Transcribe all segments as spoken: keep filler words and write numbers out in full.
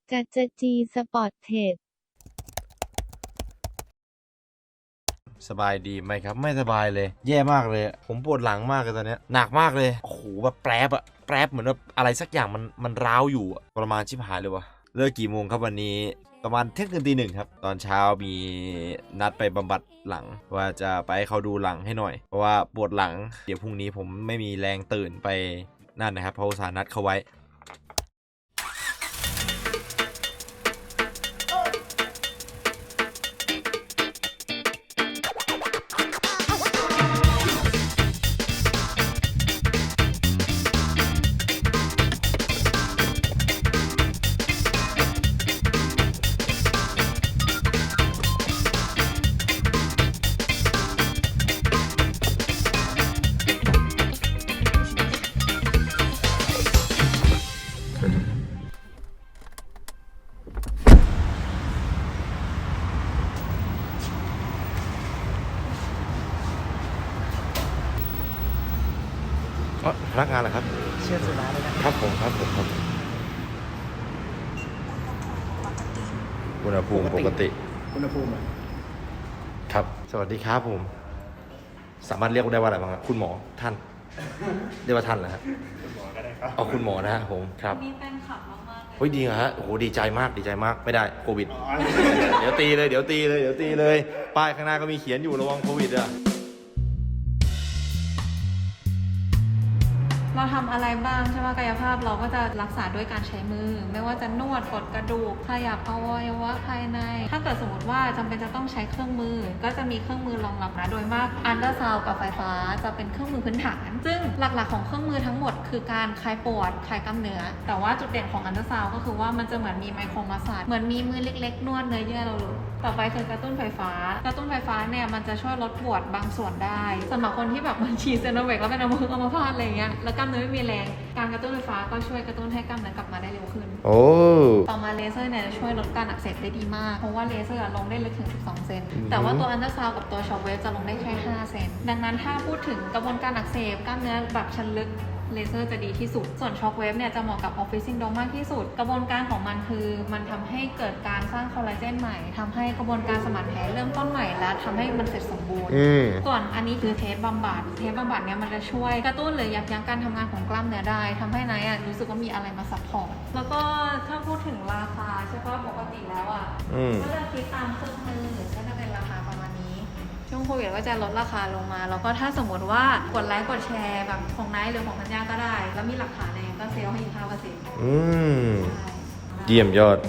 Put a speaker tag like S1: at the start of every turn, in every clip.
S1: จัจจีสปอร์ตเทรด
S2: สบายดีไหมครับไม่สบายเลยแย่มากเลยผมปวดหลังมากเลยตอนนี้หนักมากเลยโอ้โหแบบแปรบอะแปรบเหมือนแบบอะไรสักอย่างมันมันร้าวอยู่ประมาณชิบหายเลยวะเลิกกี่โมงครับวันนี้ประมาณเที่ยงคืนตีหนึ่งครับตอนเช้ามีนัดไปบำบัดหลังว่าจะไปให้เขาดูหลังให้หน่อยเพราะว่าปวดหลังเดี๋ยวพรุ่งนี้ผมไม่มีแรงตื่นไปนั่นนะครับเพราะอุตส่าห์นัดเขาไว้พนักงานเหรอครับ
S3: เชื่อสุดาเลยนะครับ
S2: ผมครับผมครับอุณหภูมิปกติ
S3: อุณหภูมิ
S2: ครับสวัสดีครับผมสามารถเรียกได้ว่าอะไรบ้างครับคุณหมอท่านเรียกว่าท่านเหรอฮะ
S3: คุณหมอก็ได้ครับ
S2: เอาคุณหมอนะฮะผมครับ
S4: มีแฟนคลับมากๆ
S2: เฮ้ยดีเหรอฮะโอ้โหดีใจมากดีใจมากไม่ได้โควิดเดี๋ยวตีเลยเดี๋ยวตีเลยเดี๋ยวตีเลยป้ายข้างหน้าก็มีเขียนอยู่ระวังโควิดอ่ะ
S4: เราทำอะไรบ้างใช่ไหมกายภาพเราก็จะรักษาด้วยการใช้มือไม่ว่าจะนวดกดกระดูกขยับอวัยวะภายในถ้าเกิดสมมติว่าจำเป็นจะต้องใช้เครื่องมือก็จะมีเครื่องมือรองรับนะโดยมากอัลตราซาวด์กับไฟฟ้าจะเป็นเครื่องมือพื้นฐานซึ่งหลักๆของเครื่องมือทั้งหมดคือการคลายปวดคลายกล้ามเนื้อแต่ว่าจุดเด่นของอัลตราซาวด์ก็คือว่ามันจะเหมือนมีไมโครมาสซาจเหมือนมีมือเล็กๆนวดเนื้อเยื่อเราเลยต่อไปคือกระตุ้นไฟฟ้ากระตุ้นไฟฟ้าเนี่ยมันจะช่วยลดปวดบางส่วนได้สำหรับคนที่แบบมันฉีดเซโนเวคแล้วเป็นอัมพฤกษ์อัมพาตอะไรอย่างเงี้ยแล้วกล้ามเนื้อไม่มีแรงการกระตุ้นไฟฟ้าก็ช่วยกระตุ้นให้กล้ามเนื้อกลับมาได้เร็วขึ้น
S2: โอ้
S4: ต่อมาเลเซอร์เนี่ยจะช่วยลดการอักเสบได้ดีมากเพราะว่าเลเซอร์ลงได้ลึกถึงสิบสองเซนแต่ว่าตัวอัลตราซาวด์กับตัวช็อคเวฟจะลงได้แค่ห้าเซนดังนั้นถ้าพูดถึงกระบวนการอักเสบกล้ามเนื้อแบบชั้นลึกเลเซอร์จะดีที่สุดส่วนช็อคเวฟเนี่ยจะเหมาะกับออฟฟิศซินโดรมมากที่สุดกระบวนการของมันคือมันทำให้เกิดการสร้างคอลลาเจนใหม่ทำให้กระบวนการสมานแผลเริ่มต้นใหม่และทำให้มันเสร็จสมบูรณ์ส่วนอันนี้คือเทปบำบัดเทปบำบัดเนี่ยมันจะช่วยกระตุ้นหรือยับยั้งการทำงานของกล้ามเนื้อได้ทำให้นายอ่ะรู้สึกว่ามีอะไรมาซัพพอร์ตแล้วก็ถ้าพูดถึงราคาใช่ป่ะปกติแล้วอ่ะก็จะคิดตามเครื่องมือก็จะเป็นราคาประมาณนี้ช่วงโควิดก็จะลดราคาลงมาแล้วก็ถ้าสมมติว่ากดไลค์กดแชร์แบบของไนท์หรือของธัญญาก็ได้แล้วมีหลักฐานเองก็เซลล์ให้อีกห้าเปอร์เซ็นต์
S2: อืมเยี่ยมยอด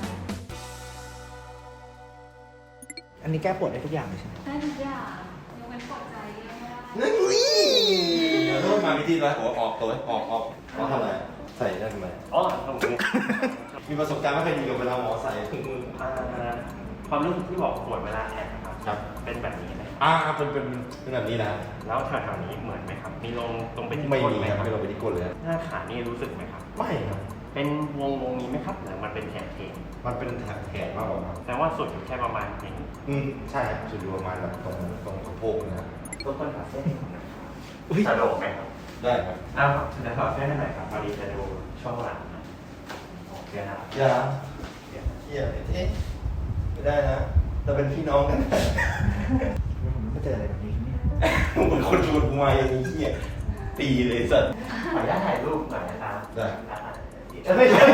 S3: อันนี้แก้ปวดได้ทุกอย่างเลยใช่ไหม
S4: ได้ทุกอย่างยกเว้นปวดใจไม่ได้
S2: นั่นนี่เดี๋ยวต้องมาวิธีแล้วหัวออกตัวออกออกเขาทำอะไรใส่ได้ทำไม
S5: อ๋อตรงนี้
S2: มีประสบการณ์ไม่เคยดีกับเวลาหมอใส่ถุงมือ
S5: ความรู้สึกที่บอกปวดเวลาแอบครับเป็นแบบนี้ไหม
S2: อ่าเป็นเป็นเป็นแบบนี้นะ
S5: แล้วแถวๆนี้เหมือนไหมครับมีลงตรงไปที่
S2: ไม่
S5: ก้น
S2: มี
S5: ไหม
S2: ครับไม่ลงไปที่ก้นเลย
S5: หน้าขานี่รู้สึกไหมครับ
S2: ไม่ครับ
S5: เป็นวงวงนี้ไหมครับหรือมันเป็นแถบเทง
S2: มันเป็นแถบแขนมากกว่าครับ
S5: แต่ว่าสุดอยู่แค่ประมาณนี้
S2: อืมใช่ครับสุดอยู่ประมาณแบบตรงตรงสะโพกนะครับ
S5: ต้นต้นขาเส้นสะดวกไหมครับ
S2: ได้ครับ
S5: อ้าวเดี๋ยวขอเส้นหน่อยครับพอดีจะดูช่วงหลังนะโอเคนะ
S2: อย่าเหี้ยเอ๊ะไม่ได้นะเราเป็นพี่น้องกัน
S3: ผมไม่เจออะไรแบบนี้เนี่ย
S2: เหมือนคนชวนกูมาอย่างนี้เหี้ยตีเลยสัตว์
S5: ขออนุญาตถ่ายรูปหน่อยนะครับ
S2: ได้
S5: ไม่ใช่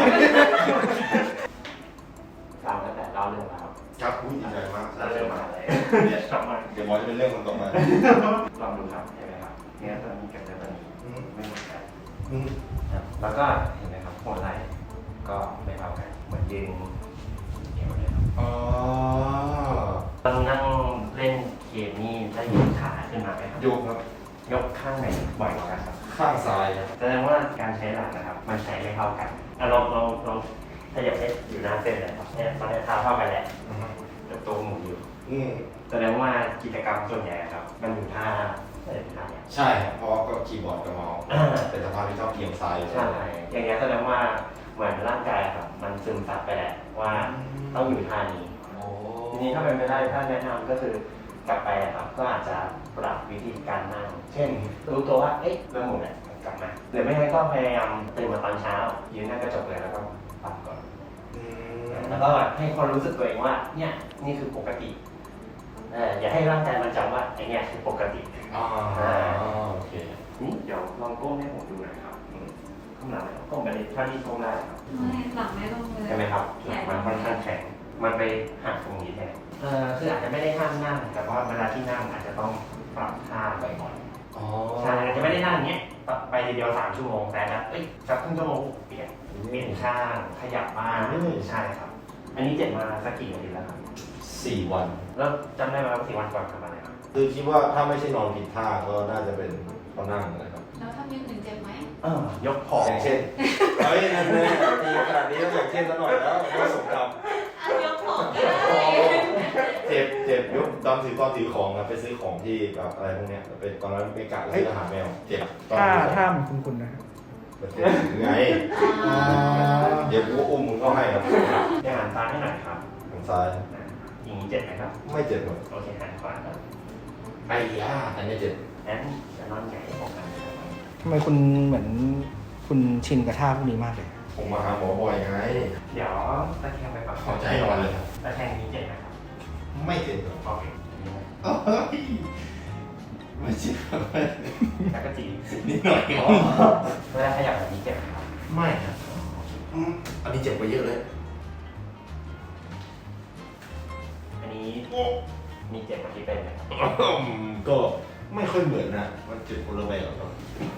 S5: ฟังตั้งแต่เล่าเรื่องราว
S2: ครับพูดดีใจมาก
S5: เล่าเรื่องมาเลยเนี่ยชอบมาก
S2: เดี๋ยวมอจะเป็นเรื่องคนต่อมา
S5: ลองดูครับเห็นไหมครับเนี่ยตัวนี้กับตัวนี้ไม่เหมือนกันแล้วก็เห็นไหมครับโคนไหล่ก็ไม่เท่ากันเหมือนยืนเอวเลยครับ
S2: อ๋อ
S5: ตอนนั่งเล่นเกมนี่ได้ยกขาขึ้นมาไหมครับ
S2: ยกครับ
S5: ยกข้างไหนบ่อยกว่ากันครับ
S2: ข้างซ้าย
S5: แสดงว่าการใช้หลักนะครับมันใช้ไม่เท่ากันอ่ะลองลองลองถ้าอยากให้อยู่หน้าเส้นเลยครับเนี่ยมันจะเท้าเท่ากันแหละแต่ตัวหมุนอยู่แสดงว่ากิจกรรมส่วนใหญ่ครับมันอยู่ท่าท่าเนี่ย
S2: ใช่ครับเพราะก็คีย์บอร์ดกับเมาส์เป็นสภาพที่ชอบเอียงซ้าย
S5: ใช่อย่างเงี้ยแสดงว่าเหมือนร่างกายครับมันซึมซับไปแหละว่าต้องอยู่ท่านี้ทีนี้ถ้าเป็นไม่ได้ถ้าแนะนำก็คือกลับไปครับก็อาจจะปรับวิธีการนั่งเช่นรู้ตัวว่าเอ๊ะเริ่มหมุนเนี่ยกลับมาหรือไม่งั้นก็พยายามตื่นมาตอนเช้ายืนหน้ากระจกเลยแล้วก็ปรับก่อนให้ความรู้สึกตัวเองว่าเนี่ยนี่คือปกติเอออย่าให้ร่างกายมันจำว่าไอเนี่ยคือปกติ
S2: อ๋อโอเค
S5: นี่เดี๋ยวลองก้มให้ผมดูหน่อยครับอืมก้มหลังเลยครับก้มไปเลยเท่าที่ก้มได้ครับ
S4: ไม่หลังไม่ลงเลย
S5: ใช่ไหมครับหลังมันค่อนข้างแข็งมันไปหักตรงนี้แทนเออคืออาจจะไม่ได้ห้ามนั่งแต่ว่าเวลาที่นั่งอาจจะต้องปรับท่าบ่อยๆ
S2: อ๋อ
S5: ใช่อาจจะไม่ได้นั่งอย่างเงี้ยไปทีเดียวสามชั่วโมงแต่นะเอ้ยสักครึ่งชั่วโมงเปลี่ยนเปลี่ยนข้างขยับบ้างใช่ครับ อันนี้เจ็บมาสักกี่นาทีแล้วครับ
S2: สี่วัน
S5: แล้วจำได้ไหมว่าสี่วันก่อนทำอะไรครับ
S2: คือคิดว่าถ้าไม่ใช่นอนผิดท่าก็น่าจะเป็นเขานั่งนะครับ
S4: แล้วถ้ามีอื่นเจ็บไหม
S5: เออยกของ
S2: อย่างเช่นเฮ้ยนั่นแน่ตีขนาดนี้ต้องอย่างเช่นซะหน่อยแล้วไม่สมค
S4: อ่ะยกของก็ได้
S2: ำเจ็บเจ็บยกตอนถือตอนถือของนะไปซื้อของที่แบบอะไรพวกเนี้ยเป็นตอนนั้นไม่กะซื้ออาหารแมวเจ็บตอน
S3: ถ้า
S2: ถือของ
S3: ถ้ามันคุ้นๆนะครับ
S2: มันเจ็บไงเดี๋ยวกูก็อุ้มมึงเข้าให้ครับ
S5: เดี๋ยวหันซ้ายให้หน่อยครับ
S2: ทางซ้าย
S5: อ่ะอย่างนี้เจ็บไหมครับ
S2: ไม่เจ็บหรอก
S5: โอเคหันขวาครับ
S2: ไอ้ย่าอันนี้เจ็บ
S5: งั้นจะนอนหงายออกกันนะครับ
S3: ทำไมคุณเหมือนคุณชินกับท่าพวกนี้มากเลย
S2: ผมมาหาหมอบ่อยไง
S5: เดี๋ยวตะแคงไปก่อน
S2: ขอใจนอนเลยครับ
S5: ตะแคงนี้เจ็บไหมครับ
S2: ไม่เจ็บหรอก
S5: โอเค
S2: เอ้ยไม่เจ็บ
S5: แล้วก็จี
S2: นิดหน่อย
S5: อ๋อเวลาขยับแบบนี้เจ็บไหมครับ
S2: ไม่ครับอืมอันนี้เจ็บกว่าเยอะเลย
S5: อันนี้มีเจ็บกว่าที่เป็นไหมครับ
S2: อืมก็ไม่ค่อยเหมือนนะมันเจ็บคนละแบบครับ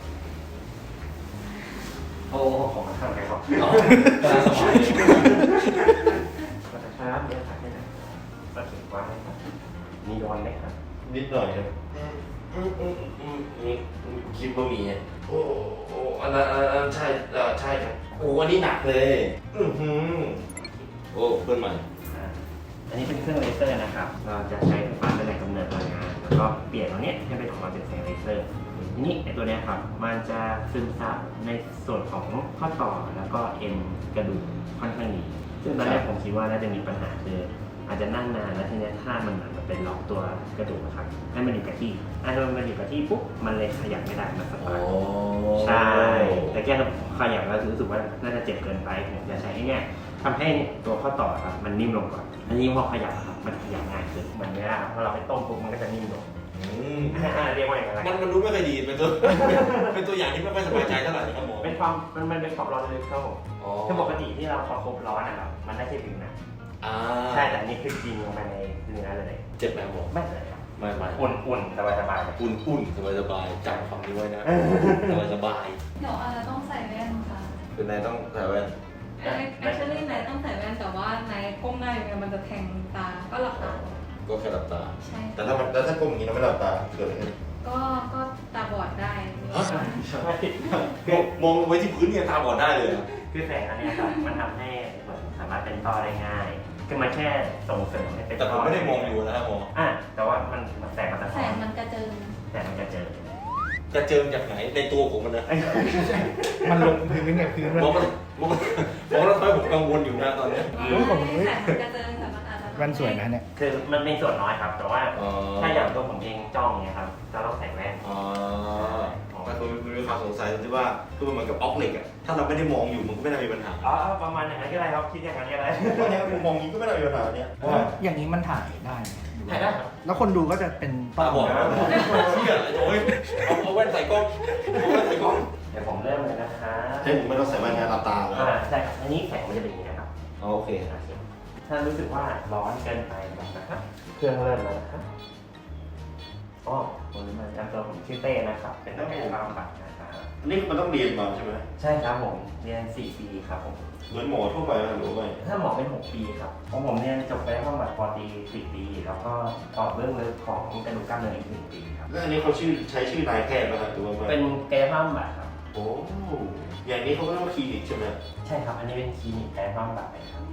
S5: โอ้ของมันข้างไปก่อน
S2: กำลังสบาย
S5: ก็จะครับเดี๋ยวถักให้นะก็ถึงว่าไหมครับมีโดนไหมครับ
S2: นิดหน่อยครับอืมอืมอืมอืมอืมคิดว่ามีอ่ะโอ้โอ้อันนั้นอันนั้นใช่เออใช่ครับโอ้อันนี้หนักเลยอือหือโอ้เพื่อนใหม่
S5: อ่าอันนี้เป็นเครื่องเลเซอร์นะครับ เราจะใช้ไฟฟ้าเป็นแหล่งกำเนิดพลังงาน แล้วก็เปลี่ยนตัวเนี้ยให้เป็นออกมาเป็นแสงเลเซอร์ทีนี้ไอตัวเนี้ยครับ มันจะซึมซับในส่วนของข้อต่อแล้วก็เอ็นกระดูกค่อนข้างดี ซึ่งตอนแรกผมคิดว่าน่าจะมีปัญหาคืออาจจะนั่งนานแล้วทีเนี้ยถ้ามันเหมือนกับเป็นล็อกตัวกระดูกอะครับให้มันอยู่กับที่อ่ะถ้ามันอยู่กับที่ปุ๊บมันเลยขยับไม่ได้มันสปาร์ใช่แต่แกขยับแล้วรู้สึกว่าน่าจะเจ็บเกินไปผมจะใช้ไอ้เนี่ยทำให้ตัวข้อต่อครับมันนิ่มลงก่อนอันนี้พอขยับครับมันขยับง่ายขึ้นเหมือนเนี้ยครับพอเราไปต้มปุ๊บมันก็จะนิ่มลง
S2: อืม
S5: อ่าเรียกว่าอย่างไร
S2: มันมันรู้ไม่ค่อยดีเป็นตัว เป็นตัวอย่างที่ไม่ค่อยสบายใจเท่าไหร่ครับหมอ
S5: เป็นความมันมันเป็นความร้อนลึกครับผม
S2: อ๋อ
S5: คือปกติที่เราประคบร้อนนะครับมันได้แค่ผิวหนัง
S2: อ่า
S5: ใช่แต่อันนี้คือกินลงไปในเนื้อเลย
S2: เจ็บไหมหมอ
S5: ไม่เลยครับ
S2: ไม่ไม่
S5: อุ่นๆสบายๆเลย
S2: อุ่นอุ่นสบายสบายจำคำนี้ไว้นะสบายสบาย
S4: เดี๋ยวอาจจะต้องใส่แว่นค่ะ
S2: เป็นนายต้องใส่แว่น
S4: actually นายต้องใส่แว่นแต่ว่านายก้มหน้าอย่างเงี้ยมันจะแทงตา ก็หลับตา
S2: ก็แค่หลับตา
S4: ใช่
S2: แต่ถ้ามันแล้วถ้าก้มอย่างนี้เราไม่หลับตาเกิดอะไรขึ้น
S4: ก็ก็ตาบอดได้
S2: ฮะ มองมองไว้ที่พื้นเนี่ยตาบอดได้เลยเหรอ
S5: คือแสงอันเนี้ยครับมันทำให้เหมือนสามารถเป็นต้อได้ง่าย คือมันแค่ส่งเสริมให้เป็น
S2: แต่ผมไม่ได้มองอยู่นะครับหมอ
S5: อ่ะแต่ว่ามันมันแสงมันสะ
S4: แส
S5: ท้อน
S4: งมันกระเจิง
S5: แสงมันจะเจอ
S2: จะเจอจากไหนในตัวผมมันนะ
S3: มันลงพื้นเนี่ยพื้นมัน
S2: มองมันมองมันมองแล้วทำให้ผมกังวลอยู่นะตอนเนี้ย
S3: เฮ้ยผมเฮ้ย
S4: แสงมันกระเจิงแต่มันอาจจะ
S3: แว่นสวยนะเนี่ย
S5: คือมันเป็นส่วนน้อยครับ แต่ว่า
S2: อ๋อ
S5: ถ้าอย่างตัวผมเองจ้องเนี่ยครับจะต้องใส่แว่น
S2: อ๋อก็คือมีความสงสัยตรงที่ว่าคือมันเหมือนกับออกเหล็กอะถ้าเราไม่ได้มองอยู่มันก็ไม่น่ามีปัญหา
S5: อ๋อประมาณอย่างนั้นก็ได้ครับคิดอย่างนั้นก็ได้
S2: เพราะเนี้ยมองอย่างนี้ก็ไม่น่ามีปัญหาเนี้ย
S3: อย่างนี้มันถ่ายได้ไหม
S5: ถ่ายได้ครับ
S3: แล้วคนดูก็จะเป็น
S2: ตาบอดนะเชี่ยไอ้โจ้ยเอาเอาแว่นใส่กล้องเอาแว่นใส่กล้อง
S5: เดี๋ยวผมเริ่มเลยนะคะ
S2: ให้ผมไม่ต้องใส่แว่นนะหลับตาแล้ว
S5: อ่าใช่ครับอันนี้แข็งมันจะเป็นอย่างนี้นะครับ
S2: อ๋อโอเค
S5: โอเคถ้ารู้สึกว่าร้อนเกินไปนะครับเครื่องเริ่มแล้วนะครับอ๋อผมมาจำตัวผมชื่อเต้นะครับเป็นนักกายภาพบำบัดนะครับ
S2: นี่มันต้องเรียนมาใช่ไหม
S5: ใช่ครับผมเรียนสี่ปีครับผม
S2: เหมือนหมอทั่วไปไหมหรือไม่
S5: ถ้าหมอเป็นหกปีครับของผมเรียนจบไปบำบัดปอตรีสี่ปี แล้วก็ต่อเรื่องลึกของกระดูกกล้ามเนื้ออีกหนึ่งปีครับ
S2: แล้วอันนี้เขาชื่อใช้ชื่อนายแพทย์ไหมครับหรือว่าไม่
S5: เป็นกายภาพบำบัดครับ
S2: โอ้อย่างนี้เขาก็เรียกว่าคลินิกใช่ไหม
S5: ใช่ครับ อันนี้เป็นคลินิกกายภาพบำบัดเลยครับ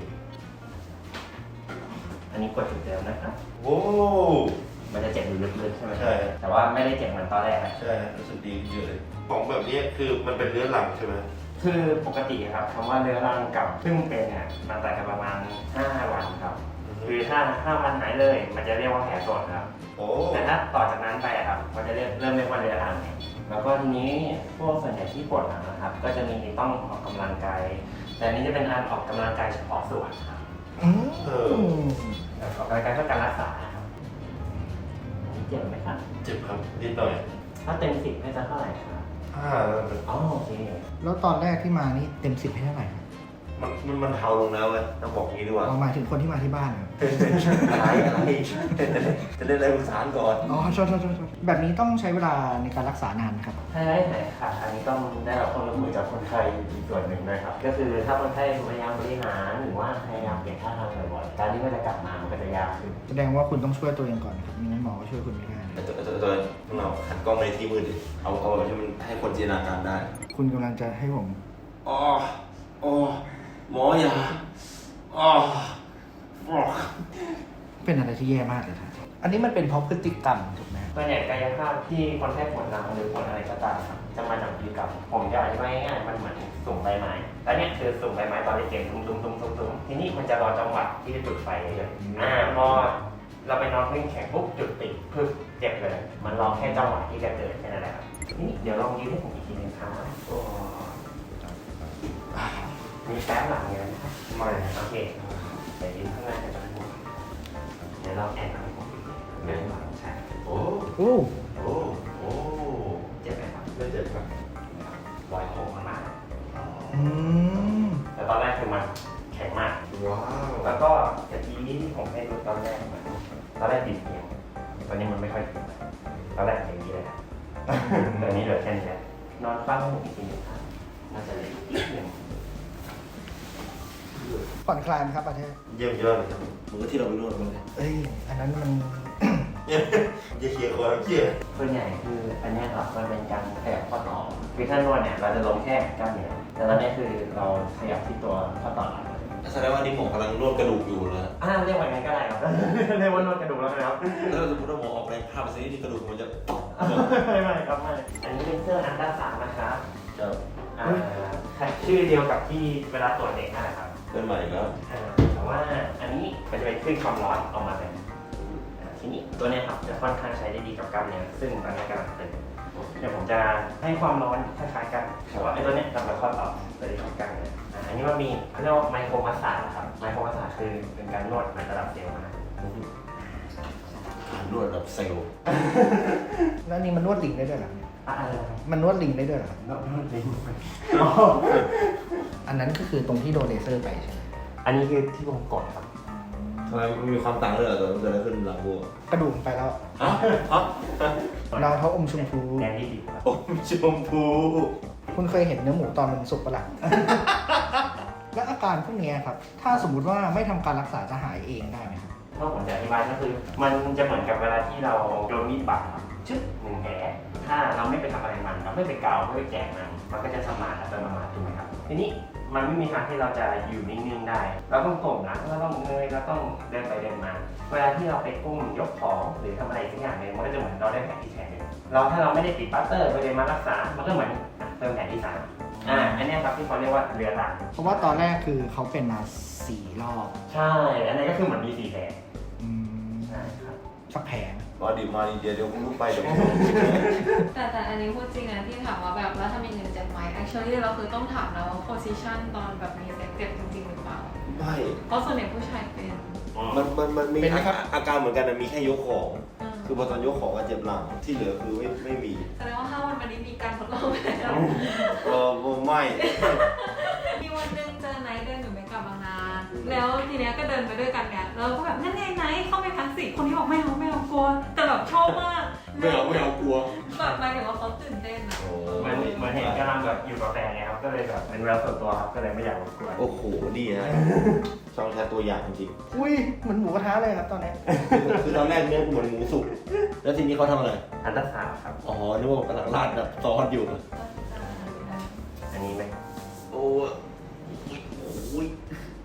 S5: อันนี้กดจุดเดิมนะครับ
S2: โอ้
S5: มันจะเจ็บอยู่ลึกๆใช่ไหม
S2: ใช่
S5: แต่ว่าไม่ได้เจ็บเหมือนตอนแรกนะ
S2: ใช่รู้สึกดีขึ้นเยอะเลยของแบบนี้คือมันเป็นเรื้อรังใช่ไหม
S5: คือปกติครับคำว่าเรื้อรังกับเพิ่งเป็นเนี่ยมันต่างกันประมาณห้าวันครับ คือถ้าห้าวันหายเลย มันจะเรียกว่าแผลสดครับ
S2: โอ้
S5: แต่ถ้าต่อจากนั้นไปอะครับ มันจะเรียกเริ่มเรียกว่าเรื้อรังเนี่ยแล้วก็ทีนี้พวกส่วนใหญ่ที่ปวดหลังนะครับ ก็จะมีต้องออกกำลังกาย แต่อันนี้จะเป็นการออกกำลังกายเฉพาะส่วนครับ
S3: อืม
S2: เออ
S5: ออกกำลังกายเพื่อการรักษาครับเจ็บไหมครับ
S2: เจ็บครับนิดหน่อย
S5: ถ้าเต็มสิบให้จะเท่าไหร่ครับ
S2: อ่า
S5: อ๋อโอเค
S3: แล้วตอนแรกที่มานี่เต็มสิบให้เท่าไหร่ครับ
S2: มันมันมันเทาลงแล้วเว้ยต้องบอกงี้ดีกว่า
S3: เอาหมายถึงคนที่มาที่บ้านครับ
S2: อะไรอะไรจะเล่นอะไรปรึกษาก่อน
S3: อ๋อโทษโทษโทษโทษแบบนี้ต้องใช้เวลาในการรักษานานไหมครับ
S5: ถ้าได้หายขาดอันนี้ต้องได้รับความร่วมมือจากคนไข้อีกส่วนหนึ่งนะครับ ก็คือถ้าคนไข้พยายามบริหารหรือว่าพยายามเปลี่ยนท่าทางบ่อยๆการที่มันจะกลับมามันก็จะยากขึ้น
S3: แสดงว่าคุณต้องช่วยตัวเองก่อนนะครับไม่งั้นหมอก็ช่วยคุณไม่ได้
S2: แต่ตัวตัวตัวเราหันกล้องในที่มืดดิเอาเอาแบบที่มันให้คนจินตนาการได้
S3: คุณกำลังจะให้ผม
S2: อ๋ออ๋อหมออย่าอ๋ออ๋อ
S3: เป็นอะไรที่แย่มากเลยครับอันนี้มันเป็นเพราะพฤติกรรมถูกไหม
S5: ส่วนใหญ่กายภาพที่คนไข้ปวดหลังหรือปวดอะไรก็ตามครับจะมาจากพฤติกรรมผมจะอธิบายง่ายๆมันเหมือนสุ่มใบไม้แล้วเนี่ยคือสุ่มใบไม้ตอนเด็กๆตุ้มตุ้มตุ้มตุ้มตุ้มทีนี้มันจะรอจังหวะที่จะจุดไฟเยอะๆอ่าพอเราไปนอนพื้นแข็งปุ๊บจุดติดปึ๊บเจ็บเลย มันรอแค่จังหวะที่จะเกิดแค่นั้นแหละครับนี่เดี๋ยวลองยืนให้ผมอีกทีหนึงครับมีแป๊บหลังเงี้ยนะครับ
S2: ไม่
S5: โอเคเดี๋ยวยืนข้างหน้ากันนะเดี๋ยวเราแอนให้ผมเดินมาใช่
S2: โอ้
S3: โอ้
S2: โอ้โอ้
S5: เจ็บไหมครับ
S2: ไม่เจ็บครับ
S5: ปล่อยโค้งมันมา
S3: อืม
S5: แต่ตอนแรกคือมันแข็งมาก
S2: ว้าว
S5: แล้วก็ตะกี้ที่ผมให้ดูตอนแรกมันตอนแรกติดเพียงตอนนี้มันไม่ค่อยติดแล้วตอนแรกอย่างนี้เลยครับ ตอนนี้เหลือแค่นี้แล้วนอนฟังอีกทีหนึงครับน่าจะเหลืออีกนิดหนึง
S3: ผ่อนคลายไหมครับประเทศ
S2: เยี่ยมยอดเลยครับเหมือนกับที่เราไปนวดมาเลย
S3: เอ้ยอันนั้นมัน
S2: อย่าอย่าเคลียร์คอเคลียร์
S5: ส่วนใหญ่คืออันเนี้ยครับมันเป็นการขยับข้อต่อคือถ้านวดเนี่ยเราจะลงแค่กล้ามเนื้อแต่ตอนนี้คือเราขยับที่ตัวข้อต่อหลัง
S2: แสดงว่านี่หมอกำลังนวดกระดูกอยู่เลย
S5: อ่าเรียกว่าไงก็ได้ครับ เรียกว่านวดกระดูกแล้วนะครับ
S2: แล้วสมมติว่าหมอออกแรงภาพไปสินี่กระดูกมันจะ
S5: ไม่ไม่ครับไม่อันนี้เป็นเสื้ออันด้านสามนะครับ
S2: จะ
S5: อ่าชื่อเดียวกับที่เวลาตรวจเด็กนั่นแหละครับ
S2: เป็นใหม่แล้ว
S5: อ่าแต่ว่าอันนี้มันจะเป็นคลื่นความร้อนออกมาเลยอ่าทีนี้ตัวเนี้ยครับจะค่อนข้างใช้ได้ดีกับกล้ามเนื้อซึ่งตอนนี้กำลังตึงเดี๋ยวผมจะให้ความร้อนคล้ายๆกันแต่ว่าไอ้ตัวเนี้ยทำมาข้อต่อตัวนี้ของกล้ามเนื้ออ่าอันนี้มันมีเขาเรียกว่าไมโครมัสซาจนะครับไมโครมัสซาจคือเป็นการนวดในระดับเซลล์นะ
S2: การนวดแบบเซลล์
S3: แล้วนี่มันนวดลิงได้ด้วยเหรอเนี่ย
S5: อ่าอะไรนะครับ
S3: มันนวดลิงได้ด้วยเหรอครับ
S5: นวดนวดลิง
S3: อันนั้นก็คือตรงที่โดนเลเซอร์ไปใช่ไหม
S5: อันนี้คือที่ผมกดครับ
S2: ทำไมมันมีความต่างเลยเหรอตอนมันเกิดอะไรขึ้นหลังบัว
S3: กระดูกไปแล้ว
S2: อ๋ออ๋อ
S3: รองเท้าอมชมพู
S5: แดงที่ดีครับ
S2: โอ้ชมพู
S3: คุณเคยเห็นเนื้อหมูตอนมันสุกปะล่ะ และอาการพวกเนี้ยครับ ถ้าสมมุติว่าไม่ทำการรักษาจะหายเองได้ไหมครับ
S5: ถ้าผมจะอธิบายก็คือ มันจะเหมือนกับเวลาที่เราโดนมีดบาดครับชึบหนึ่งแผลถ้าเราไม่ไปทำอะไรมันเราไม่ไปเกาไม่ไปแกะมันมันก็จะสมานอัตโนมัติถูกไหมครับทีนี้มันไม่มีทางที่เราจะอยู่นิ่งๆได้ เราต้องก้มนะเราต้องเงยเราต้องเดินไปเดินมา เวลาที่เราไปก้มยกของหรือทำอะไรสักอย่างหนึ่งมันก็จะเหมือนเราได้แผลที่แผลหนึ่งเราถ้าเราไม่ได้ติดปลาสเตอร์ไปเลยมารักษา มันก็เหมือนอ่ะเติมแผลที่สามอ่าอันเนี้ยครับที่เขาเรียกว่าเรื้อรัง
S3: เพราะว่าตอนแรกคือเขาเป็นมาสี่รอบ
S5: ใช่ อันนี้ก็คือเหมือนมีสี่แผล
S3: อืม
S5: ใช่ครับ
S3: สักแผง
S2: มาดิมาดิเดี๋ยวเดี๋ยวผมลุกไปเดี๋ยวผม
S4: แต่แต่อันนี้พูดจริงนะที่ถามว่าแบบแล้วถ้ามีเงินเจ็บไหม actually เราคือต้องถามนะว่า position ตอนแบบมีเซ็กเจ็บจริงๆหรือเปล่า
S2: ไม่
S4: เพราะส่วนใหญ่ผู้ชายเป็น
S2: มันมันมันมี
S3: เป็นไหมครับ
S2: อาการเหมือนกันนะมีแค่ยกของ
S4: อืม
S2: คือพอตอนยกของก็เจ็บหลังที่เหลือคือไม่ไม่มี
S4: แสดงว่าห้าวันวันนี้มีการทดลองไปแล้ว
S2: เออไม่
S4: มีวันหนึงเจอไนท์เดินอยู่ไม่กลับบางนาแล้วทีเนี้ยก็เดินไปด้วยกันเนี่ยแล้วก็แบบนั่นไงไนท์เข้าไปทั้งสี่คนที่บอกไม่เอาไม่เอากลัว แต่แบบชอบมาก
S2: ไม่เอาไม่เอากลัว
S4: แบบหมายถึงว่าเขาตื่นเต้นอะ
S5: เหมือนเหมือนเห็นกำลังแบบอยู่กับแฟนไงครับ ก็เลยแบบเป็นเวลาส่วนตัวครับ ก็เลยไม่อยากรบกวน
S2: โอ้โหดีนะช่องแท้ตัวอย่างจริง
S3: อุ้ยเหมือนหมูกระทะเลยครับตอนนี้
S2: ๆคือตอนแรกเนื้อเหมือนหมูสุกแล้วทีนี้เขาทำอะไร
S5: อันตราซาวด์ครับ
S2: อ๋อนึกว่ากำลังราดแบบซอสอยู่
S5: อันนี้ไหม
S2: โอ้ยโอ้ย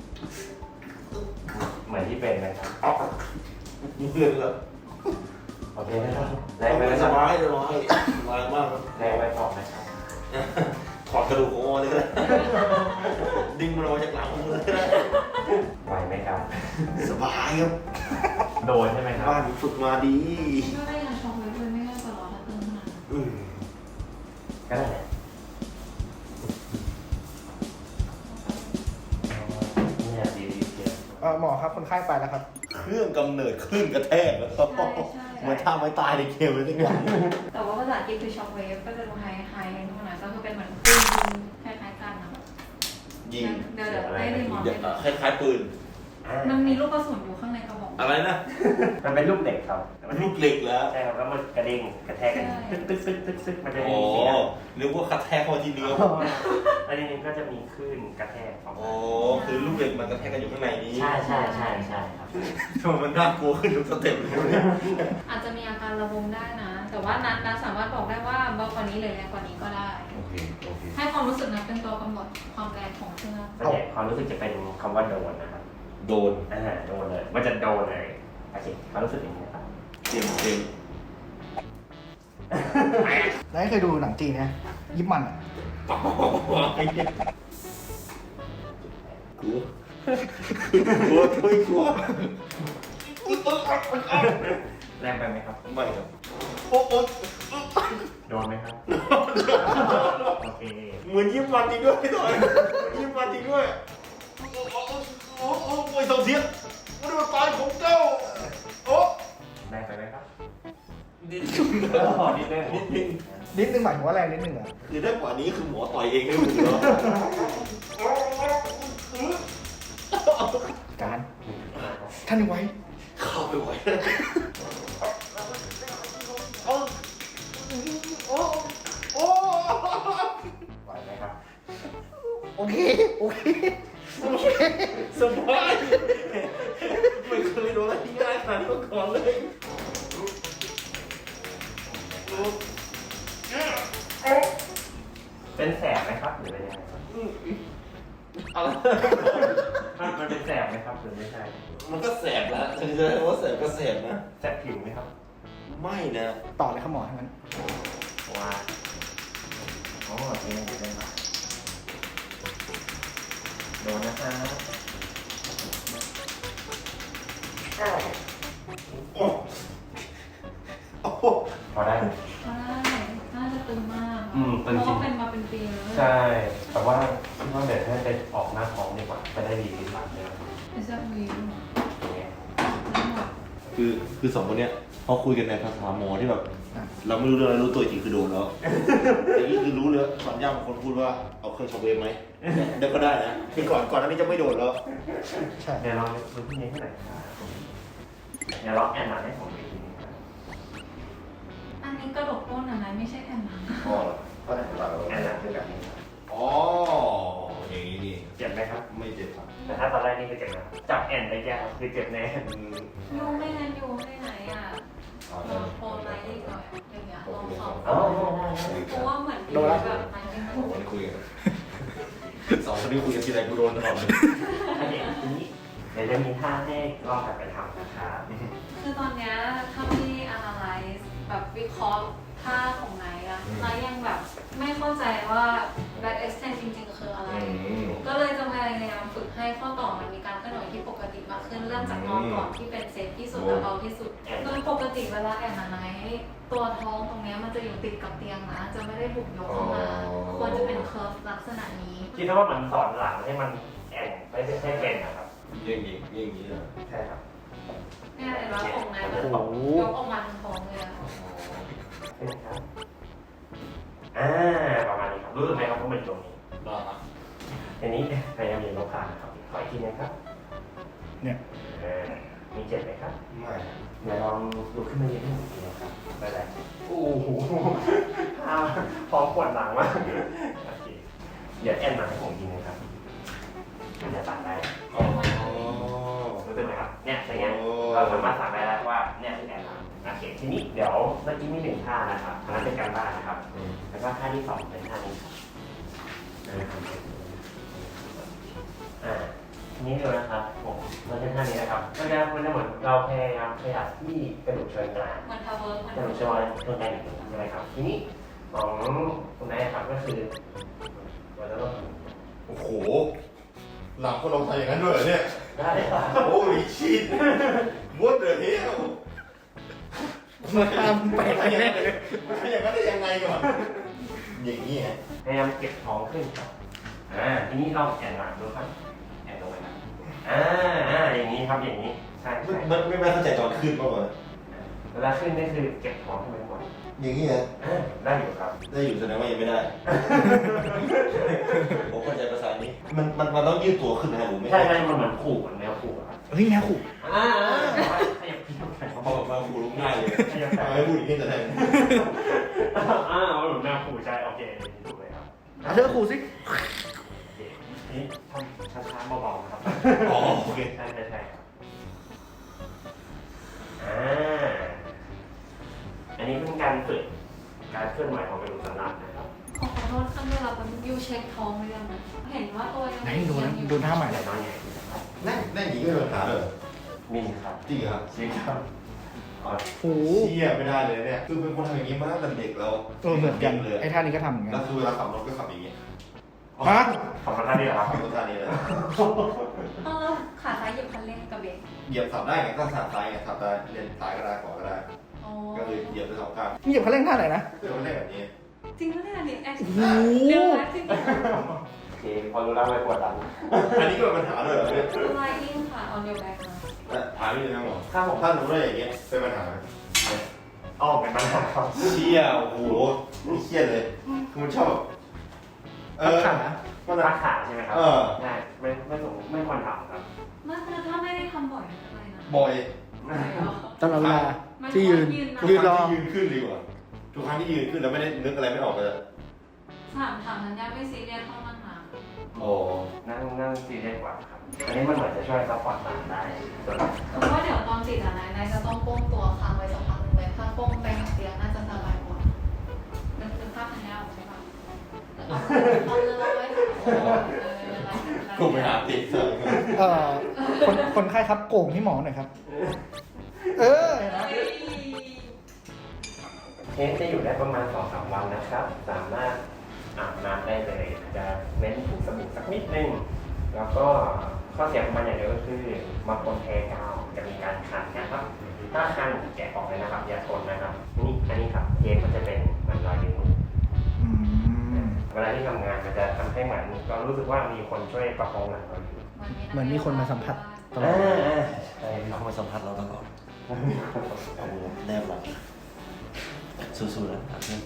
S5: เหมือนที่เป็นไหมครับ
S2: อ๊อกเพื่อนแล้ว
S5: โอเคนะครับแรงไปไหมค
S2: ส
S5: รับบ
S2: ายสบายสบายมากครับ
S5: แรงไปพอไหมครับ
S2: ถอดกระดูกของอเลยก็ได้ดึงมันออกมาจากหลังเลยก็ได้
S5: ไหวไหมครับ
S2: สบายครับ
S5: โดนใช่ไหมครับ
S2: บ้านฝึกมาดี
S4: ก็ได้ยังชมไว้ด้วยไม่น่าจะรอถ้าเติมขนาดนั้น
S2: อืม
S5: ก็ได้แหละเนี่ยดีดีเชียว
S3: เอ่อหมอครับคนไข้ไปแล้วครับ
S2: เครื่องกำเนิดคลื่นกระแทกแล้ว
S4: ใช่ใช่
S2: เหมือนท่าไม้ตายในเกมเลยทุกอย่าง
S4: แต่ว่าภาษาอังกฤษคือช็อคเวฟก็จะดูไฮไฮนู่นนะก็คือเป็นเหมือนปืนคล้ายๆกันนะ
S2: ยิง
S4: เดี๋ยวเดี๋ยวได้รีมอ
S2: เดี๋ยวคล้ายๆปืน
S4: มันมีลูกกระสุนอยู่ข้างในกระบอก
S2: อะไรนะ
S5: มันเป็นลูกเหล็กครับ
S2: มันลูกเหล็กแล้ว
S5: ใช่ครับแล้วมันกระเด้งกระแทกกันตึ๊กตึ๊กตึ๊กตึ๊กตึ๊กมันจะ
S2: อ๋
S5: มี
S2: อ
S5: เสียง
S2: นึกว่ากระแทกเข้าที่เนื้อ
S5: แล้วทีนี้ก็จะมีคลื่นกระแทกออก
S2: อ๋
S5: มา
S2: อคือลูกเหล็กมันกระแทกกันอยู่ข้างในนี้
S5: ใช่ใช่ใช่ใช่ครับ
S2: ทำไมมันน่ากลัวขึ้นทุกสเต็ปเลยเนี่ย
S4: อาจจะมีอาการระบมได้นะ แต่ว่านัทนัทสามารถบอกได้ว่าเบากว่านี้หรือแรงกว่านี้ก็ได้
S2: โอเคโอเค
S4: ให้ความรู้สึกนั้นเป็นตัวกำหนดความแรงของเครื่อง
S5: ส่วนใหญ่ความรู้สึกจะเป็นคำว่าโดนนะครับ
S2: โดน
S5: อ่าโดนเลย มันจะโดนเลยโอเคความรู้สึกอย่างนี้นะครับ
S2: เต็มเต็ม
S3: แล้วเคยดูหนังจีนเนี่ยยิบมันอ่ะ
S2: ไอ้เนี่ยกลัวกลัวช่วยกลัว
S5: แรงไปไหมครับ
S2: ไม่ครับโอ้โห
S5: โดนไหมครับ โอเค
S2: เหมือนยิ้มมันจริงด้วยพี่ต่อยยิ้มมันจริงด้วยโอ้โหโอ้โหโอ้ยสองเทียนมันเป็นตายของเจ้าโอ้
S5: แรงไปไหมครับ
S2: นิด
S5: พอนิดนึง
S2: นิดนึง
S3: นิดนึงหมายถึงว่าแรงนิดนึงเหรอ
S2: คือได้กว่านี้คือหมอต่อยเองได้หมดแล้ว
S3: การท่านยังไว้
S2: เข้าไปไหวโอ้โอ้โอ้
S5: ไหวไหมครับ
S3: โอเคโอเคโอเค
S2: สบายไม่เคยโดนอะไรที่ง่ายขนาดนี้มาก่อนเลย
S5: เป็นแสบไหมครับหรือเป็นยังไงครับ
S2: อะไร
S5: มันมันเป็นแสบไหมครับหรือไม่ใช่
S2: มันก็แสบแล้วถึงจะว่าแสบก็แสบนะ
S5: แสบผิวไหมครับ
S2: ไม่นะ
S3: ต่อเลยครับหมอทั้งนั้น
S5: ว่าอ๋อนี่อยู่ได้ไหมโดนนะครับ
S2: โอ้โอ้
S5: พอได้ไหม
S4: ใช่น่าจะตึงมาก
S5: อืม
S4: เพ
S5: ตึง
S4: ราะ
S5: จริ
S4: ว่าง เป็นมาเป็นปีแล้ว
S5: ใช่แต่ว่าคิดว่าเดี๋ยวให้ไปออกหน้าท้องดีกว่าจะได้ดีขึ้นหลังเลย
S4: ไม่ใช่วี
S5: อย่างเงี้ย
S4: ไม่หมด
S2: คือคือสองคนเนี้ยเขาคุยกันในภาษาหมอที่แบบ เราไม่รู้เรื่องอะไรรู้ตัวจริงคือโดนแล้วแต่นี่คือรู้เลยตอนย่าบางคนพูดว่าเอาเครื่องช็อคเวฟไหมเดี๋ยวก็ได้นะที่ก่อนก่อนหน้านี้จะไม่โดนแล้ว
S3: ใช่
S5: เดี๋ยวลองดูที่นี้ให้หน่อยครับเดี๋ยวลองแอนนาให้ผมดูทีนึงครับ
S4: อันนี้กระดกต้นอะไรไม่ใช่แอนนา
S2: อ๋อก็ได้เรา
S5: แอนนาคือแบบนี้ครับ
S2: อ๋ออย่างนี้นี่
S5: เจ็บไหมครับ
S2: ไม่เจ็บครับ
S5: แต่ถ้าตอนแรกนี่คือเจ็บนะครับจับแอนได้แก่ครับคือเจ็บแน่
S2: อืม
S4: ยูไม่งั้นยูไม่ไหนอ่ะ
S2: อ๋อ
S4: ลองโพลไลท์ดีกว่าอย่างเงี้ยลองสอง
S5: อ๋อ
S4: เพราะว่าเหมือนยูแบบมันเป็น
S2: สองคนคุยกันสองคนนี้คุยกันทีไรกูโดนตลอดเลย
S5: อันนี้ทีนี้เดี๋ยวจะมีท่าให้ลองกลับไปทำนะครับ
S4: คือตอนเนี้ยถ้าที่ analyze แบบวิเคราะห์ท่าของไหนอะไนท์ยังแบบไม่เข้าใจว่า back extend จริงๆคืออะไร ก็เลยจะพยายามฝึกให้ข้อต่อมันมีการเคลื่อนไหวที่ปกติมากขึ้นเริ่มจากนอนก่อนที่เป็นเซฟที่สุดและเบาที่สุดโดยปกติเวลาแอนนาไนท์ตัวท้องตรงเนี้ยมันจะอยู่ติดกับเตียงนะจะไม่ได้ถูกยกเข้ามาควรจะเป็นเคิร์ฟลักษณะนี้
S5: คิดว่ามันสอนหลังให้มันแอนไม่ได้ให้เป็นนะครับ
S2: อย่างนี้อย่างนี้นะ
S5: ใช่ครับ
S4: เนี่ยเห็นว่าของนายมันยกออกมาทั้งท้องเลยอะ
S5: ใช่ไหมครับ อ่า ประมาณนี้ครับ รู้สึกไหมครับว่ามันอยู่ตรงนี้
S2: ได้ครับ
S5: อันนี้พยายามยืนลงขานะครับขออีกทีนะครับ
S3: เนี่ย
S5: เออมีเจ็บไหมครับ
S2: ไม่
S5: เดี๋ยวลองลุกขึ้นมายืนให้ผมดูนะครับได้เลยโอ้โหท่าพร้อมปวดหลังมากโอเคเดี๋ยวแอนมาให้ผมยิงนะครับมันจะตัดได้
S2: อ๋อ
S5: รู้สึกไหมครับ เนี่ยอย่างเงี้ยเราสามารถสั่งได้แล้วว่าเนี่ยคือแอนมาโอเคทีนี้เดี๋ยวเมื่อกี้มีหนึ่งท่านะครับอันนั้นเป็นการบ้านนะครับ แล้วก็ท่าที่สองเป็นท่านี้ครับนะครับอ่าทีนี้ดูนะครับผมเราจะท่านี้นะครับมันจะมันจะเหมือนเราพยายามขยับที่กระดูกเชิงกราน
S4: มันทาวเวิร์กมัน
S5: กระดูกเชิงเชิงกรานใช่ไหมครับ ทีนี้ของคุณนายครับก็คือเราจะต้อง
S2: โอ้โหหลังคนเราทำอย่างนั้นด้วยเหรอเนี่ย
S5: ได้ครับ
S2: โอ้ยชิดมดเลยเนี่ย
S3: มาทำไป
S2: มัน
S3: แน่
S2: อย่างนั้นได้ยังไงก่อนอย่างนี้ฮะ
S5: พยายามเก็บท้องขึ้นครับอ่าทีนี้ลองแอนหลังดูครับแอนลงไปครับอ่าอ่าครับอย่างนี้ใช่ใช่
S2: ไม่ไม่ไม่เข้าใจตอนขึ้นมากกว่า
S5: เวลาขึ้นนี่คือเก็บของขึ้นไปหมด
S2: อย่างนี้เหรอ
S5: อ่าได้อยู่ครับ
S2: ได้อยู่แสดงว่ายังไม่ได้ ผมเข้าใจภาษานี้มันมันมันต้องยืดตัวขึ้นนะหรือไม่
S5: ใช่ใช่มันเหมือนขู่เหมือนแนวขู่อะครับ
S3: เฮ้ยแมวขู่
S5: อ่าขยับขยับขยับ
S2: เขาบอกมาคูรู้ง่ายเลย
S5: ขยับ
S2: ทำไมพูดอย่างนี้แต่แรก
S5: อ่ามันเหมือนแนวขู่ใช่โอเคถูกเลยครับ
S3: เอาเธอขู่สิ
S5: โอเคนี่ทำช้าๆเบาๆนะครับ
S2: อ๋อโอเค
S5: ใช่ใช่ใช่ครับอ่าอันนี้เป็นการฝึกการเคลื่อนไหวของกระดูกสันหลังนะครับ
S4: ขอขอโทษข้างด้วยเราเป็นยูเช็คท้องหรือยังนะเห็นว่าตัวยัง
S3: ไหนดูนะดูท่าใหม่
S5: ไหน
S3: เลย
S5: น้อยใหญ่ดีนะครับ
S2: นั่งนั่งอย่างนี้ก็มีปัญหาเลย
S5: มีครับ
S2: จริงเหรอครับ
S5: จริงครับอ๋อ
S3: โอ้
S2: เชี่ยไม่ได้เลยเนี่ยคือเป็นคนทำอย่างนี้มาตั้งแต่เด็กแล้ว
S3: เออเหมือนกัน
S2: เลย
S3: ไอ้ท่านี้ก็ทำเหมือนกัน
S2: แล้วคือเวลาขับรถก็ขับอย่างนี้
S3: ฮะ
S5: ขอบคุณท่านนี่เหรอครับ
S2: ขับรถท่านี้เลย
S4: เออขาซ้ายเหยียบคันเร่งกับเบรก
S2: เหยียบขับได้ไงก็ขับซ้ายไงขับได้เลนซ้ายก็ได้ขวาก็ได้
S4: อ๋อ
S2: ก็เลยเหยียบไปสองข้าง
S3: นี่เหยียบคันเร่งท่าไหนนะ
S2: เพื่อมันได้แบบนี้
S4: จริงปะเนี่ยนี่แอค
S3: โอ้โห
S4: เดี๋ยวนะจริงเหรอ
S5: โอเคพอรู้แล้วไม่ปวดหลัง
S2: อันนี้ก็เป็นปัญหาเลยเหรอเนี่ย
S4: สไลดิ้งค่ะออนเดียวแบ็กนะ
S2: และถามนิดนึงนะหมอ
S5: ถ้าผม
S2: ถ้าหนูได้อย่างเงี้ยเป็นปัญหาไหม
S5: อ๋อเป็นปัญหาครับ
S2: เชี่ยโอ้โหนี่เครียดเลยคือมันชอบแบบเออ
S3: ขา
S5: มันรักขาใช่ไหมครับ
S2: เออ
S5: ใช่ไม่ไม่สมไม่ควรทำครับ
S4: ไม่คือถ้าไม่ได้ทำบ่อยอะไรนะ
S2: บ่อย
S4: ไม่หรอ
S3: ตลอดเวลาที่ยืน
S4: ไม่
S3: ยืนรอ
S2: ทุกครั้งที่ยืนขึ้นดีกว่าทุกครั้งที่ยืนขึ้นแล้วไม่ได้นึกอะไรไม่ออกเลย
S4: ถามถามนันยาไม่ซีเรียสเท่านั่งนาน
S2: โอ้
S5: นั่งนั่งซีเรียสกว่าครับ อันนี้มันเหมือนจะช่วยซัพพอร์ตหลังได้ส่วน
S4: แต่ว่าเดี๋ยวตอนติดอะนายนายจะต้องโป้งตัวค้างไว้สักพักหนึ่งเลยถ้าโป้งไปหาเตียงน่าจะสบายกว่านึกนึกภาพทันยาออกใช่ปะเอาเลยเอาไว้เอออะไร
S2: กูไปหาติดเสริม
S3: เอ่อคนคนไข้ครับโก่งให้หมอหน่อยครับ เออเห็นไหม
S5: เคสจะอยู่ได้ประมาณสองสามวันนะครับ สามารถอาบน้ำได้เลยอาจจะเน้นถูสบู่สักนิดนึง แล้วก็ข้อเสียของมันอย่างเดียวก็คือบางคนแพ้กาวจะมีการคันนะครับ ถ้าคันแกะออกเลยนะครับ อย่าทนนะครับ นี่อันนี้ครับเคสมันจะเป็นเหมือนรอยนิ้วมือ
S3: อืม
S5: เวลาที่ทำงานมันจะทำให้เหมือนเรารู้สึกว่ามีคนช่วยประคองหลังเราอยู่
S3: เหมือนมีคนมาสัมผัสตลอ
S5: อ่า
S3: ด
S5: อ่าใช่
S6: มีคนมาสัมผัสเราตลอดโอ้โหแนบหลังสู้ๆนะอาเพื่อน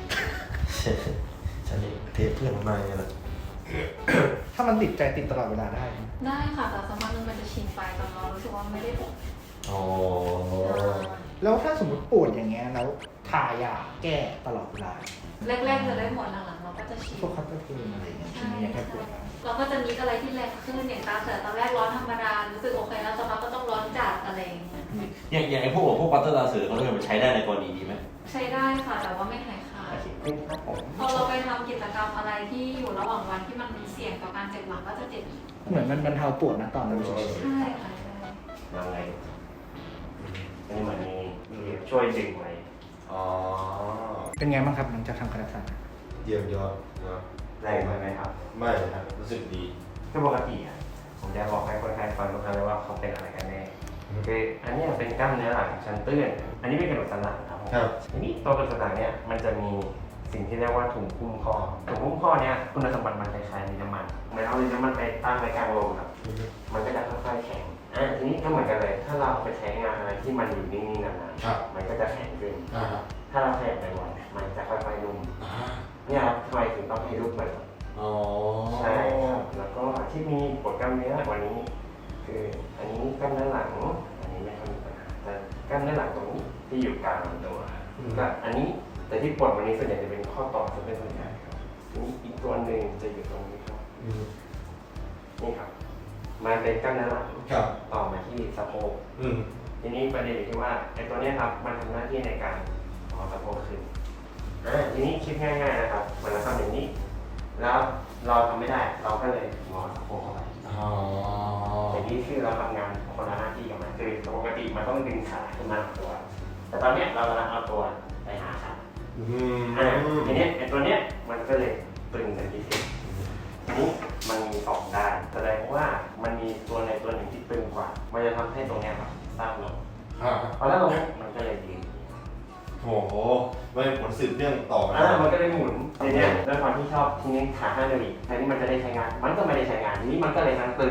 S6: ฉันเองเทปเพื่อนมาไงล่ะ
S3: ถ้ามันติดใจติดตลอดเวลาได้ไหม
S4: ได้ค่ะแต่สักพักนึงมันจะชินไปจนเรารู้สึกว่าไม่ได้ปวด
S6: อ๋อ
S3: แล้วถ้าสมมติปวดอย่างเงี้ยแล้วทายาแก้ตลอดเวลา
S4: แรกๆจะได้หมดหลังๆเราก็จะชิน
S3: พวกคัตเตอร์เพนอะไรอย่างเงี้ยที
S4: ใช่
S3: นี้ยังแค่ปวด
S4: เราก็จะมีอะไรที่แรงขึ้นอย่างตาเสือตอนแรกร้อนธรรมดารู้สึกโอเคแล้วสักพักก็ต้องร้อนจัดอะไรอย่างเงี้ย
S6: อย่างอย่างไอ้พวกพวกปัตเตอร์ลาเสือเขาเรียกว่าใช้ได้ในกรณีนี้ไหม
S4: ใช้ได้ค่ะแต่ว่าไม่หายขาด
S5: ขึ้นครับผม
S4: พอเราไปทำกิจกรรมอะไรที่อยู่ระหว่างวันที่มันเสี่ยงต่อการเจ็บหลังก็จะเจ็บอีก
S3: เหมือนมันบรรเทาปวดนะตอนนั้นเฉย
S4: ใช่ค่ะใช่
S5: ยังไงอันนี้เหมือนมีมีช่วยดึงไว้
S2: อ๋อ
S3: ๆเป็นไงบ้างครับหลังจากทำคาราซัน
S2: เยี่ยมยอดนะ
S5: แรงไปไหมครับ
S2: ไม่เลยครับรู้สึกดี
S5: คือปกติอ่ะผมจะบอกให้คนไข้ฟังทุกครั้งเลยว่าเขาเป็นอะไรกันแน่คืออันเนี้ยเป็นกล้ามเนื้อหลังชั้นตื้นอันนี้เป็นกระดูกสันหลังครับผม
S2: ครับ
S5: ทีนี้ตัวกระดูกสันหลังเนี่ยมันจะมีสิ่งที่เรียกว่าถุงหุ้มข้อถุงหุ้มข้อเนี่ยคุณสมบัติมันคล้ายๆลิ้นน้ำมันเหมือนเอาลิ้นน้ำมันไปตั้งไว้กลางลมครับ มันก็จะค่อยๆแข็งอ่าทีนี้ก็เหมือนกันเลย ถ้าเราไปใช้งานอะไรที่มันอยู่นิ่งๆนาน
S2: ครับ
S5: ๆมันก็จะแข็งขึ้น
S2: อ่าฮะ
S5: ถ้าเราขยับบ่อยๆมันจะค่อยๆนุ่ม
S2: อ่า
S5: เนี่ยครับทำไมถึงต้องให้รูปเหมือน
S2: อ๋อ
S5: ใช่ครับแล้วก็ที่มีปวดกล้ามเนื้อวันนี้ คืออันนี้กล้ามเนื้อหลัง อันนี้ไม่ค่อยมีปัญหาแต่กล้ามเนื้อหลังตรงนี้ที่อยู่กลางลำตัวก็อันนี้แต่ที่ปวดวันนี้ส่วนใหญ่จะเป็นข้อต่อจะเป็นส่วนใหญ่ครับทีนี้อีกตัวหนึ่งจะอยู่ตรงนี้ครับ
S2: อืม
S5: นี่ครับมันเป็นกล้ามเนื้อหลัง
S2: ครับ
S5: ต่อมาที่สะโพก
S2: อืม
S5: ทีนี้ประเด็นอยู่ที่ว่าไอ้ตัวเนี้ยครับมันทำหน้าที่ในการงอสะโพกขึ้นอ่าทีนี้คิดง่ายๆนะครับมันจะทำอย่างนี้ แล้วเราทำไม่ได้เราก็เลยงอสะโพกเข้าไป
S2: อ๋อ
S5: อย่างนี้คือเราทำงานคนละหน้าที่กับมันคือปกติมันต้องดึงขาขึ้นมาหาตัว แต่ตอนเนี้ยเรากำลังเอาตัวไปหาขา
S2: อืม
S5: อ่าทีเนี้ยไอ้ตัวเนี้ยมันก็เลยตึงเป็นพิเศษทีนี้มันมีสองด้านแสดงว่ามันมีตัวในตัวหนึ่งที่ตึงกว่า มันจะทำให้ตรงเนี้ยครับสั้นลง
S2: ครับ
S5: พอแล้วตรงเนี้ยมันก็เลยดี
S2: โอ้โหไม่เป็นผลสืบเนื่องต่อมา
S5: อ่ามันก็เลยหมุนทีเนี้ยด้วยความที่ชอบทีนี้ขาห้านาฬิกาแทนที่มันจะได้ใช้งาน มันก็ไม่ได้ใช้งานทีนี้มันก็เลยทั้งตึงทั้ง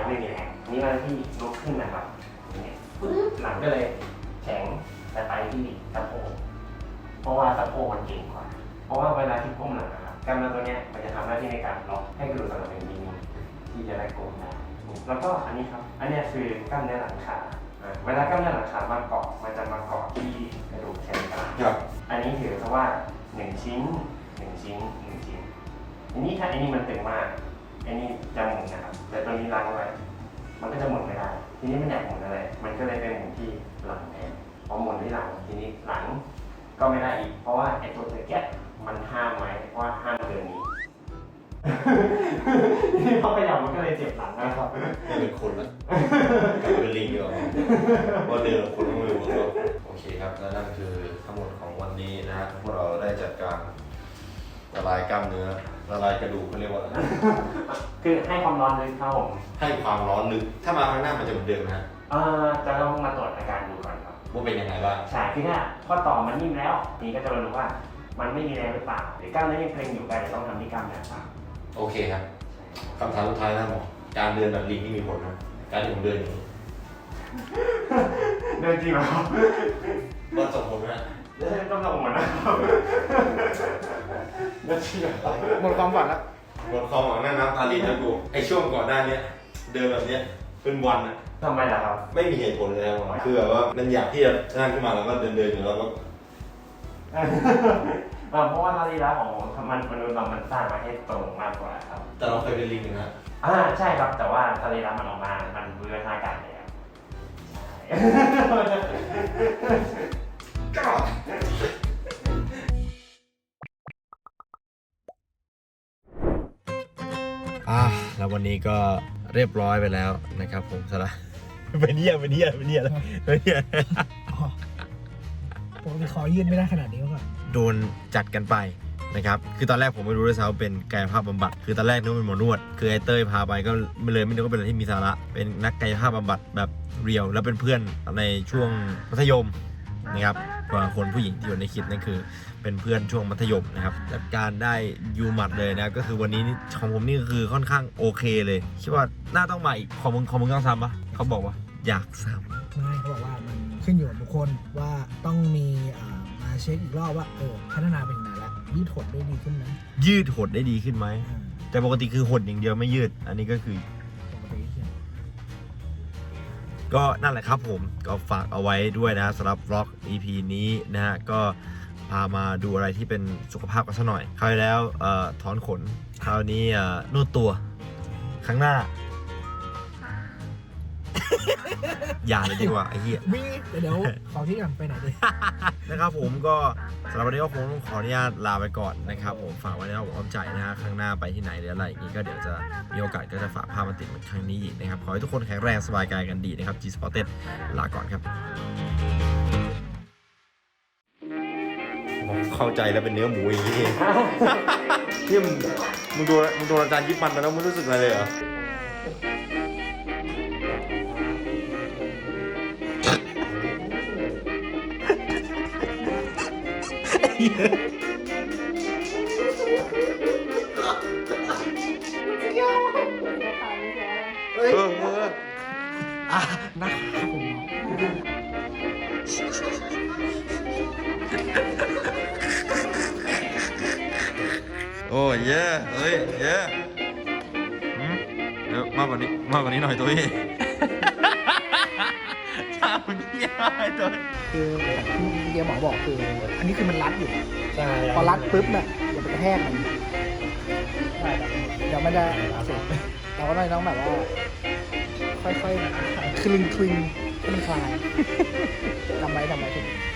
S5: ไม่มีแรงนี่เวลาที่ลุกขึ้นนะครับอย่างเงี้ยปึ๊บหลังก็เลยแข็งแต่ไปที่สะโพกเพราะว่าสะโพกมันเก่งกว่าเพราะว่าเวลาที่ก้มหลังนะครับกล้ามเนื้อตัวเนี้ยมันจะทำหน้าที่ในการล็อกให้กระดูกสันหลังเป็นนิ่งๆที่จะได้ก้มได้แล้วก็อันนี้ครับอันนี้คือกล้ามเนื้อหลังขาเวลากล้ามเนื้อหลังขามาเกาะมันจะมาเกาะที่กระดูกแขนกลางอันนี้ถือซะว่าหนึ่งชิ้นหนึ่งชิ้นหนึ่งชิ้นอันนี้ถ้าอันนี้มันตึงมากอันนี้จะหมุนนะครับแต่ตัวนี้ล้างไว้มันก็จะหมุนไม่ได้ทีนี้มันอยากหมุนอะไรมันก็เลยเป็นหมุนที่หลังแทนพอหมุนที่หลังทีนี้หลังก็ไม่ได้อีกเพราะว่าไอ้ตัวตะแกะมันห้ามไว้ว่าห้ามเดินนี้ที่พอขยับมันก็เลยเจ็บหลังนะครับ
S2: ไม่เป็นคนแล้วกลับเป็นลิงดีกว่าว่าเดินคนต้องไม่รู้ตัวโอเคครับและนั่นคือทั้งหมดของวันนี้นะฮะพวกเราได้จัดการละลายกล้ามเนื้อละลายกระดูกเขาเรียกว่าอะไร
S5: คือให้ความร้อนลึกครับผม
S2: ให้ความร้อนลึกถ้ามาครั้งหน้ามันจะเหมือนเดิมนะฮะ
S5: เอ่อจะต้องมาตรวจอาการดูก่อนครับ
S2: ว่าเป็นยังไงบ้าง
S5: ใช่คือถ้าข้อต่อมันนิ่มแล้วนี่ก็จะมาดูว่ามันไม่มีแรงหรือเปล่าหรือกล้ามเนื้อยังเกร็งอยู่ก็จะต้องทำที่กล้ามเนื้อครับ
S2: โอเคครับคำถามสุดท้ายนะหมอการเดินแบบลิงนี่มีผลนะการที่ผมเดินอย่างนี้
S5: เดินจริงเหรอครับ
S2: มันส่งผลไหม
S5: เดินต้องทำเหมือนนะครับเดินจริงเหรอครับ
S3: หมดความฝันแล้ว
S2: หมดความหวังหน้าน้ำตาลีนะกูไอช่วงก่อนหน้านี้เดินแบบเนี้ยเป็นวันอะ
S5: ทำไมล่ะครับ
S2: ไม่มีเหตุผลเลยนะหมอคือแบบว่ามันอยากที่จะนั่งขึ้นมาแล้วก็เดินเดินอยู่แล้วก็
S5: เอ่อเพราะว่าสรีระของมันมนุษย์เรามันสร้างมาให้ตรงมากกว่าครับ
S2: แต่เราเคยเป็นลิงนะ
S5: อ่าใช่ครับแต่ว่าสรีระมันออกมา มันบูรณาการแล้วใช่
S2: ก็ อ่ะแล้ววันนี้ก็เรียบร้อยไปแล้วนะครับผมสละเป็นเหี้ยเป็นเหี้ยเป็นเหี้ยแล้วเป็นเหี้ย
S3: ปกติขอยืนไม่ได้ขนาดนี้มาก่อน
S2: โดนจัดกันไปนะครับคือตอนแรกผมไม่รู้ด้วยซ้ำว่าเป็นกายภาพบำบัดคือตอนแรกนึกว่าเป็นหมอนวดคือไอ้เต้ยพาไปก็ไม่เลยไม่นึกว่าเป็นอะไรที่มีสาระเป็นนักกายภาพบำบัดแบบเรียวแล้วเป็นเพื่อนในช่วงมัธยมนะครับกว่าคนผู้หญิงที่อยู่ในคลิปนั่นคือเป็นเพื่อนช่วงมัธยมนะครับจัดการได้ยูหมัดเลยนะก็คือวันนี้ของผมนี่ก็คือค่อนข้างโอเคเลยคิดว่าน่าต้องมาอีกของมึงของมึงต้องซ้ำปะเขาบอกว่าอยากซ้ำ
S7: ไม่เขาบอกว่ามันขึ้นอยู่กับบุคคลว่าต้องมีอ่ามาเช็คอีกรอบว่าเออพัฒนาเป็นยังไงแล้วยืดหดได้ดีขึ้นไหม
S2: ยืดหดได้ดีขึ้นไหม
S7: อ่า
S2: แต่ปกติคือหดอย่างเดียวไม่ยืดอันนี้ก็คือ
S7: ปกติที่
S2: ก็นั่นแหละครับผมก็ฝากเอาไว้ด้วยนะสำหรับ vlog อี พี นี้นะฮะก็พามาดูอะไรที่เป็นสุขภาพกันสักหน่อยคราวที่แล้วเอ่อถอนขนคราวนี้เอ่อนวดตัวครั้งหน้า อย่าเลยดีกว่าไอ้เหี้ย
S7: วิ่งเดี๋ยวขอที่ก่อนไปไหนดี
S2: นะครับผมก็สำหรับวันนี้ก็คงต้องขออนุญาตลาไปก่อนนะครับผมฝากไว้ในอ้อมใจนะฮะข้างหน้าไปที่ไหนหรืออะไรอย่างนี้ก็เดี๋ยวจะมีโอกาสก็จะฝากภาพมาติดเหมือนครั้งนี้อีกนะครับขอให้ทุกคนแข็งแรงสบายกายกันดีนะครับ G Spotted ลาก่อนครับเข้าใจแล้วเป็นเนื้อหมูอย่างนี้เอง ที่มึงมึงโดนมึงโดนอาจารย์ยิบมันไปแล้วมึงรู้สึกอะไรเลยเหรอเออเออ
S7: อ่ะนะครับผม
S2: โอ้ยเย่เอ้ยเย่เดี๋ยวมากกว่านี้มากกว่านี้หน่อยตัวเองชาเป็นเหี้ยอะไรตัว
S7: คือแบบที่เดียหมอบอกคือ อันนี้คือมันรัดอยู่
S2: ใช่
S7: พอรัดปุ๊บเนี่ยอย่าไปกระแทกมันเดี๋ยวไม่ได้อักเสบเราก็เลยต้องแบบว่า ค่อยๆคลึงคลึงคลึงคลายทำไว้ทำไว้ทุก